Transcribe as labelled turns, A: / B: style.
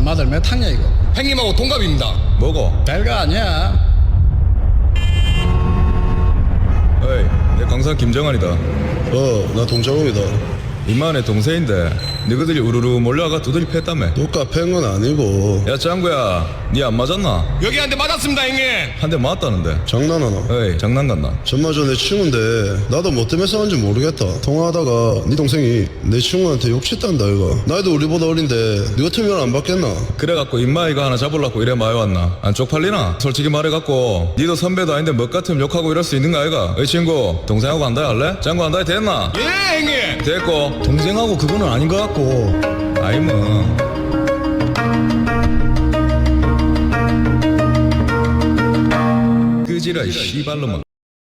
A: 맏마들 몇 학년 이거?
B: 형님하고 동갑입니다.
C: 뭐고?
A: 별거 아니야.
C: 어이, 내 강사 김정환이다.
D: 나 동작업이다.
C: 임마네 동생인데 너희들이 우르르 몰려와가 두들이 팼다며.
D: 누가 팬 건 아니고.
C: 야 짱구야, 니 안 맞았나?
B: 여기 한 대 맞았습니다, 형님.
C: 한 대 맞았다는데.
D: 장난하나?
C: 어이, 장난 같나?
D: 전마저 내 친구인데 나도 뭐 때문에 싸운지 모르겠다. 통화하다가 네 동생이 내 친구한테 욕했단다 이거. 나이도 우리보다 어린데 네 같으면 안 받겠나?
C: 그래갖고 임마이가 하나 잡으려고 이래 마요 왔나? 안 쪽팔리나? 솔직히 말해갖고 니도 선배도 아닌데 뭐 같으면 욕하고 이럴 수 있는 거 아이가? 어이 친구, 동생하고 한다이 할래? 짱구 한다이 됐나?
B: 예, 형님.
C: 됐고.
D: 동생하고 그거는 아닌 것 같고.
C: 아이 뭐 끄지라 이 씨발놈아.